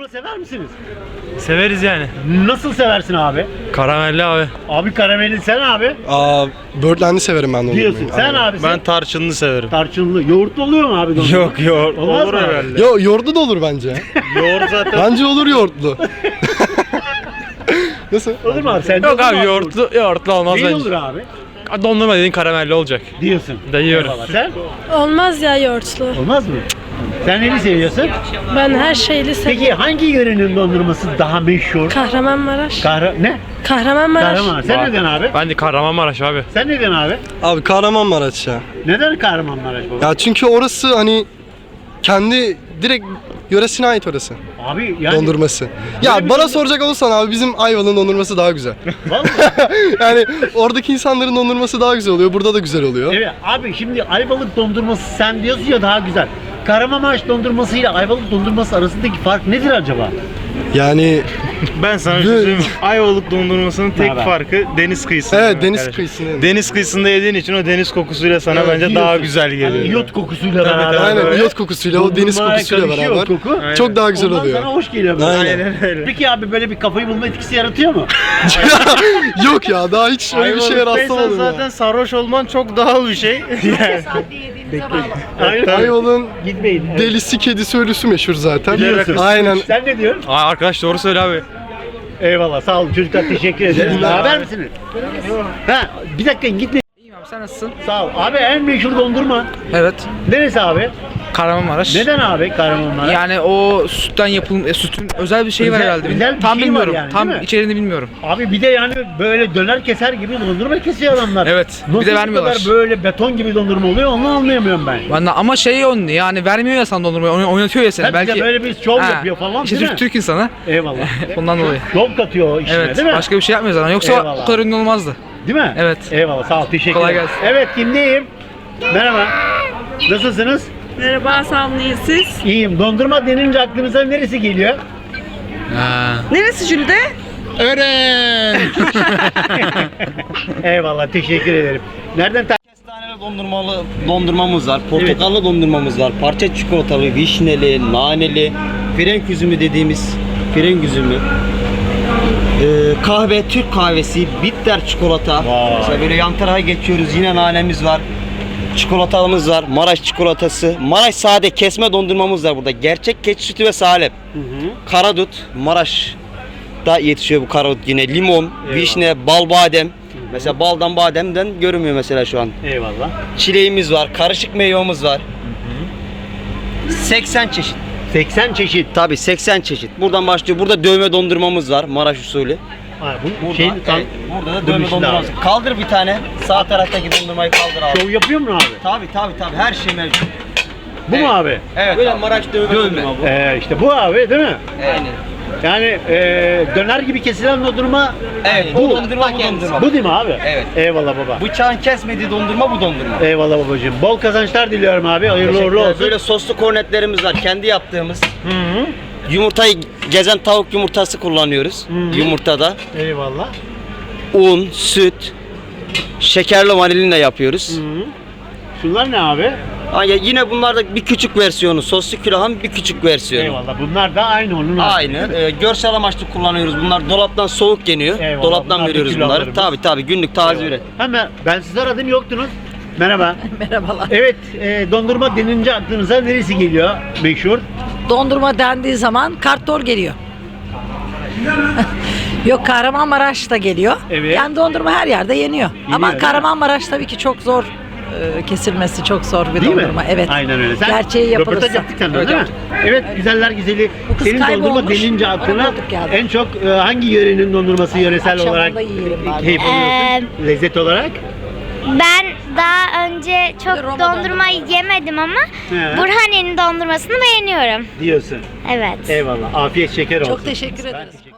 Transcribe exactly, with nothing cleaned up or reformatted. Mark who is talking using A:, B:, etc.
A: sever misiniz?
B: Severiz yani.
A: Nasıl seversin abi?
B: Karamelli abi.
A: Abi karamelli sen abi.
C: Aa, Birdland'i severim ben de.
A: Diyorsun. Sen abi sen.
B: Ben tarçınlı severim.
A: Tarçınlı. Yoğurtlu oluyor mu abi dondurma?
B: Yok yoğurt.
A: Olmaz
B: Olur
A: mı abi?
B: herhalde.
C: Yo, yoğurtlu da olur bence.
B: Yoğurt zaten.
C: Bence olur yoğurtlu. Nasıl?
A: Olur mu abi? Sen
B: Yok abi yoğurtlu, yoğurtlu olmaz
A: Ne
B: bence.
A: olur abi?
B: Dondurma dediğin karamelli olacak.
A: Diyorsun.
B: Da yiyorum.
A: Eyvallah. Sen?
D: Olmaz ya yoğurtlu.
A: Olmaz mı? Sen neli seviyorsun?
D: Ben her şeyli seviyorum.
A: Peki hangi yörenin dondurması daha meşhur?
D: Kahramanmaraş.
A: Kahra... Ne?
D: Kahramanmaraş.
A: Kahramanmaraş. Sen neden abi?
B: Ben de Kahramanmaraş abi.
A: Sen neden abi?
C: Abi Kahramanmaraş ya.
A: Neden Kahramanmaraş baba?
C: Ya çünkü orası hani kendi direkt yöresine ait orası.
A: Abi yani...
C: Dondurması.
A: bir
C: Ya bana
A: dondurma-
C: soracak olursan abi bizim Ayvalık'ın dondurması daha güzel.
A: Vallahi.
C: Yani oradaki insanların dondurması daha güzel oluyor. Burada da güzel oluyor.
A: Evet abi şimdi Ayvalık dondurması sen diyorsun ya daha güzel. Kahramanmaraş dondurması ile Ayvalık dondurması arasındaki fark nedir acaba?
C: Yani
B: Ben sana bir şey söyleyeyim mi? Ayvalık dondurmasının tek
A: Haber?
B: farkı deniz kıyısında.
C: evet deniz
B: arkadaşlar.
C: kıyısının.
B: Deniz kıyısında yediğin için o deniz kokusuyla sana
C: Evet,
B: bence daha güzel geliyor.
A: Hani iyot kokusuyla
B: Tabii,
A: beraber.
B: tabii.
C: Aynen
A: böyle
C: iyot kokusuyla o deniz
A: dondurmaya
C: kokusuyla
A: karışıyor
C: beraber.
A: o koku.
B: Aynen.
C: Çok daha güzel
A: Ondan
C: oluyor.
A: sana hoş geliyor. böyle.
C: Aynen.
B: Aynen öyle.
A: Peki abi böyle bir kafayı bulma etkisi yaratıyor mu?
C: Yok ya daha hiç öyle bir şeye
B: Ayvalık'taysan
C: rastlamadım
B: zaten
C: ya.
B: sarhoş olman çok doğal bir şey. Yani.
A: Aynen.
C: Ayvalık'ın
A: Gitmeyin. Evet.
C: delisi kedisi ölüsü meşhur zaten.
A: Biliyorsun.
C: Aynen.
A: Sen ne diyorsun?
B: Aa, arkadaş doğru söyle abi.
A: Eyvallah sağ olun çocuklar teşekkür ederim.
C: günler.
A: Haber misiniz? Ha bir dakika gitmeyin.
E: İyiyim abi, sen nasılsın?
A: Sağ ol. Abi en meşhur dondurma.
E: Evet.
A: Neresi abi?
E: Kahramanmaraş.
A: Neden abi Kahramanmaraş?
E: Yani o sütten yapılmış, e, sütün özel bir şeyi var
A: Özel-
E: herhalde.
A: özel bir
E: Tam
A: şey var
E: bilmiyorum.
A: yani,
E: Tam
A: değil mi?
E: içeriğini bilmiyorum.
A: Abi bir de yani böyle döner keser gibi dondurma kesiyor adamlar.
E: Evet, bir de
A: Nasıl bu
E: vermiyorlar.
A: kadar böyle beton gibi dondurma oluyor onu anlayamıyorum ben.
E: Ben de, ama şey onu yani vermiyor ya sana dondurmayı, oyn- oynatıyor ya seni.
A: Tabii
E: Belki
A: de böyle bir şov
E: Ha,
A: yapıyor falan
E: işte
A: değil
E: Türk,
A: mi?
E: Türk insanı.
A: Eyvallah.
E: Ondan dolayı.
A: Şov katıyor o işine
E: Evet.
A: değil mi?
E: Başka bir şey yapmıyor zaten. Yoksa
A: Eyvallah.
E: bu kadar ünlü olmazdı.
A: Değil mi?
E: Evet.
A: Eyvallah sağ ol teşekkür
E: Kolay
A: ederim.
E: gelsin.
A: Evet kimdeyim? Merhaba. Nasılsınız?
F: Merhaba, sağ olun, iyiyiz siz?
A: İyiyim. Dondurma denince aklınıza neresi geliyor?
F: Neresi Jülde?
A: Eyvallah teşekkür ederim. Nereden ta-
G: Kestaneli dondurmalı dondurmamız var, portakallı dondurmamız var, parça çikolatalı, vişneli, naneli, frenk üzümü dediğimiz frenk üzümü. Ee, kahve, Türk kahvesi, bitter çikolata.
A: Vay.
G: Mesela böyle yan tarafa geçiyoruz, yine nanemiz var. Çikolatamız var, Maraş çikolatası. Maraş sade kesme dondurmamız var burada. Gerçek keçi sütü ve salep. Karadut, Maraş'ta yetişiyor bu karadut yine. Limon, vişne, bal badem. Mesela baldan bademden görünmüyor mesela şu an.
A: Eyvallah.
G: Çileğimiz var, karışık meyvemiz var. seksen çeşit.
A: seksen çeşit.
G: Tabii seksen çeşit. Buradan başlıyor. Burada dövme dondurmamız var, Maraş usulü.
A: Ha, bu
G: Burada,
A: şey tam
G: evet, burada da
A: bunun
G: dövme
A: içinde
G: dondurmamız.
A: abi.
G: Kaldır bir tane. Sağ taraftaki dondurmayı kaldır abi.
A: şov yapıyor mu abi?
G: Tabii tabii tabii her şey mevcut.
A: Bu mu abi?
G: Evet. Böyle Maraş dövme, dondurma bu.
A: Ee, işte bu abi değil mi?
G: Aynen.
A: Yani e, döner gibi kesilen dondurma
G: Evet, bu dondurma bu dondurma.
A: bu değil mi abi?
G: Evet.
A: Eyvallah baba.
G: Bıçağın kesmediği dondurma bu dondurma.
A: Eyvallah babacığım. Bol kazançlar diliyorum abi. Hayırlı uğurlu
G: Teşekkürler.
A: olsun.
G: Böyle soslu kornetlerimiz var. Kendi yaptığımız.
A: Hı hı.
G: Yumurtayı gezen tavuk yumurtası kullanıyoruz.
A: Hı.
G: Yumurtada.
A: Eyvallah.
G: Un, süt, şekerli vanilina yapıyoruz.
A: Hı hı. Şunlar ne abi?
G: Ha, ya yine bunlar da bir küçük versiyonu. Soslu külahın bir küçük versiyonu.
A: Eyvallah. Bunlar da aynı onun. abi.
G: Aynı. Ee, görsel amaçlı kullanıyoruz. Bunlar dolaptan soğuk yeniyor.
A: Eyvallah,
G: Dolaptan
A: bunlar da
G: veriyoruz bunları.
A: kilolarımız.
G: Tabii tabii günlük taze
A: Eyvallah.
G: üret.
A: Hemen ben sizi aradım yoktunuz. Merhaba.
H: Merhabalar.
A: Evet, e, dondurma denince aklınıza neresi geliyor? Meşhur.
H: Dondurma dendiği zaman kartol geliyor. Yok, Kahramanmaraş da geliyor.
A: Evet.
H: Yani dondurma her yerde yeniyor.
A: değil
H: Ama
A: mi?
H: Kahramanmaraş tabii ki çok zor e, kesilmesi, çok zor bir
A: Değil
H: dondurma.
A: mi?
H: Evet.
A: Aynen öyle. Sen
H: Gerçeği
A: röportaj
H: yapılırsa.
A: yaptık senden
E: Evet,
A: değil mi? Evet, güzeller güzeli.
H: Bu kız
A: Senin dondurma
H: kaybolmuş.
A: denince
H: Ona
A: aklına
H: bulduk geldi.
A: en çok e, hangi yörenin dondurması yöresel
H: Akşamında
A: olarak
H: yiyelim bari.
A: keyif alıyorsun? Lezzet olarak?
I: Ben daha önce çok
H: Bir de Roma
I: dondurma yemedim ama
A: He.
I: Burhaniye'nin dondurmasını beğeniyorum.
A: Diyorsun.
I: Evet.
A: Eyvallah. Afiyet şeker olsun.
H: Çok teşekkür ederiz.